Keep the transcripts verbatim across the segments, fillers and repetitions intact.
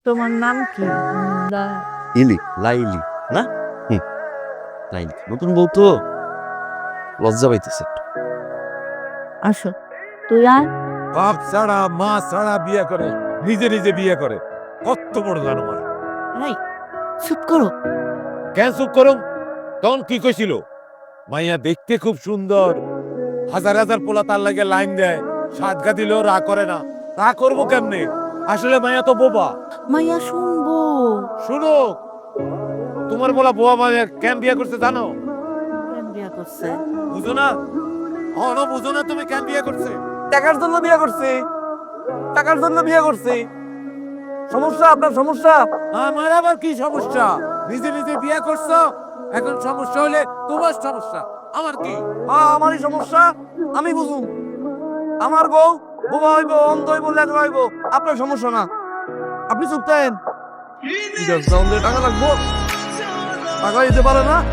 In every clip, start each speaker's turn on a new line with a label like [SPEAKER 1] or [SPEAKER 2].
[SPEAKER 1] তোমার নাম কি? লা-
[SPEAKER 2] ইলি লাইলি না হুম লাইলি নতুন বউ তো লজ্জা পাইতেছে একটু।
[SPEAKER 1] আসো তুই আয়।
[SPEAKER 3] বাপ ছাড়া মা ছাড়া বিয়ে করে, নিজে নিজে বিয়ে করে, কত বড় জানোয়ার।
[SPEAKER 1] এই চুপ করো।
[SPEAKER 3] কেন চুপ করুম? তখন কি কইছিল? মাইয়া দেখতে খুব সুন্দর, হাজার হাজার পোলা তার লাগে লাইন দেয়, সাতগা দিলেও রা করে না। রা করবো কেমনে? আসলে মাইয়া তো বোবা।
[SPEAKER 1] মাইয়া শুনবো।
[SPEAKER 3] শুনো, তোমার বলা বোবা মাইয়া কেন বিয়ে করছে জানো?
[SPEAKER 1] কেন বিয়া করছে?
[SPEAKER 3] বুঝো না? হনো বুঝো না তুমি কেন বিয়ে করছে?
[SPEAKER 2] টাকার জন্য বিয়ে করছে, টাকার জন্য বিয়ে করছে। সমস্যা আপনার সমস্যা।
[SPEAKER 3] আমার আবার কি সমস্যা? নিজে নিজে বিয়ে করছো, এখন সমস্যা হলে তোমার সমস্যা, আমার কি?
[SPEAKER 2] হ্যাঁ আমারই সমস্যা, আমি বুঝুম। আমার বউ বোবা হইব, অন্ধ হইব, লেখা হইব, আপনার সমস্যা না। আপনি চুপ থাকেন। টাকা লাগবো, টাকা দিতে পারে না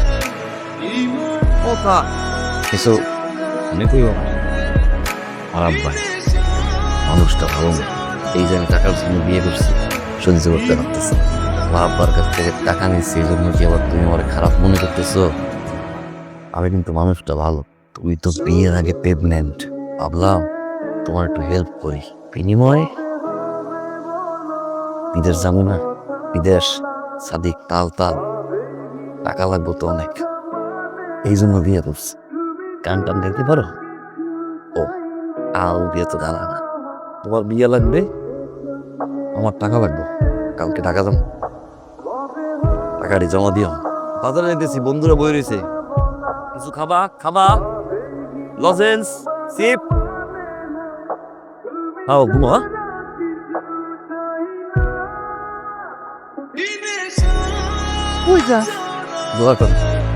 [SPEAKER 2] কথা
[SPEAKER 4] কিছু মনে করিও না। আর আব্বাই মানুষটা ভালো না, এই যে আমি টাকার জন্য বিয়ে করছি সহ্য করতে পারতেছি। আমার আব্বার কাছ থেকে টাকা নিচ্ছি, এই জন্য কি আবার তুমি আমার খারাপ মনে করতেছো? আমি কিন্তু মানুষটা ভালো। তুই তো বিয়ের আগে প্রেগনেন্ট, ভাবলাম তোমার একটু হেল্প করি, বিনিময়ে বিদেশ যাবো না, বিদেশ সাদিক তাল তাল টাকা লাগবো তো অনেক, এই জন্য বিয়ে করছি। গান টান দেখতে পারো? ও আও বিয়ে তো জানা না। তোমার বিয়ে লাগবে, আমার টাকা লাগবে, কালকে টাকা দাম টাকাটি জমা দিও। বাজারে যেতেছি, বন্ধুরা বই রয়েছে, কিছু খাবা খাবা, লজেন্স চিপ খাও, ঘুমো। হ্যাঁ?
[SPEAKER 1] কই যা?
[SPEAKER 4] দোয়া করো।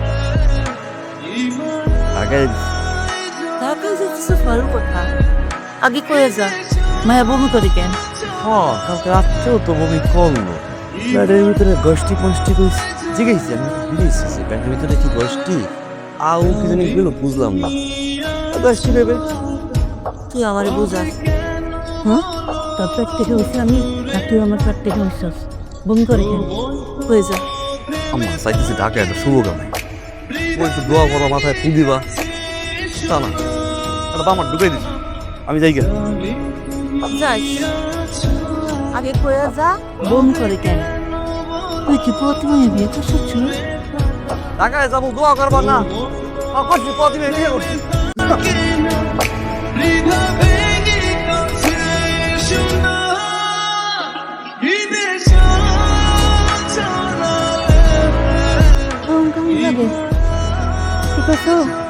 [SPEAKER 4] আগে
[SPEAKER 1] ঢাকা যেতেছে ভালো কথা, আগে কয়ে যা। মায়া বমি করে কেন?
[SPEAKER 2] হ্যাঁ কালকে রাত্রেও তো বমি করলো। প্যান্টের ভিতরে গোষ্ঠী পোষ্ঠী কইছি, জিজ্ঞেসি আমি বুঝেছি প্যান্টের ভিতরে কি গোষ্ঠী আউ কি জানি গেল বুঝলাম না। গোষ্ঠী ভেবে
[SPEAKER 1] তুই আমারে বুঝাস? হ্যাঁ, তোর পেট থেকে হয়েছে আমি, আর তুই আমার পেট থেকে হয়েছিস। বমি করে কেন? কয়ে যা।
[SPEAKER 2] আমার চাইতেছি ঢাকা একটা শুভ গানে ও একটু দোয়া করো, মাথায় ফু দিবা, তা না একটা বামার ঢুকাই দিছি, আমি যাই গেল।
[SPEAKER 1] যাস, আগে কয়ে যা বমি করে কেন। তুই কি প্রতিমায় বিয়ে করছিস?
[SPEAKER 2] ঢাকায় যাবো, দোয়া করবা না? করছি প্রতিমে বিয়ে করছি।
[SPEAKER 1] কেমন কেমন লাগে? ঠিক আছে।